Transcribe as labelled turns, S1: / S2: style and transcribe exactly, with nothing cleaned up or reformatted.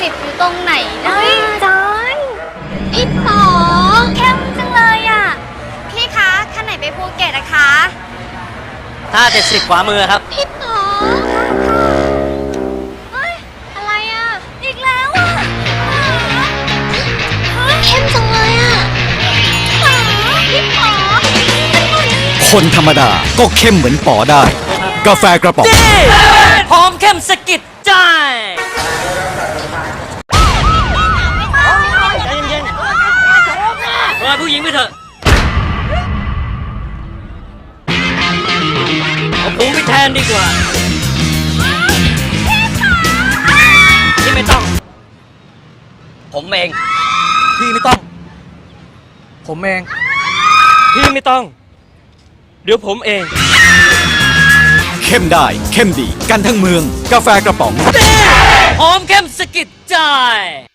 S1: สิบอยู่ตรงไหนนะ
S2: จอนพี่ปอเข้มจังเลยอ่ะพี่คะคันไหนไปภูเก็ตอะคะ
S3: ท่าเจ็ดสิบขวามือครับ
S2: พี่ปอเฮ้ยอะไรอ่ะอีกแล้วอ่ะเข้มจังเลยอ่ะพี่ปอ
S4: คนธรรมดาก็เข้มเหมือนป๋อได้ กาแฟกระป๋อง
S3: หอมเข้มสะกิดใจใจเย็นๆรอผู้หญิงไปเถอะเอาผมไปแทนดีกว่าที่ไม่ต้อง ผมเอง
S5: พี่ไม่ต้อง ผมเอง
S3: พี่ไม่ต้อง เดี๋ยวผมเอง
S4: เข้มได้เข้มดีกันทั้งเมือง กาแฟกระป๋อง
S3: หอมเข้มสะกิดใจ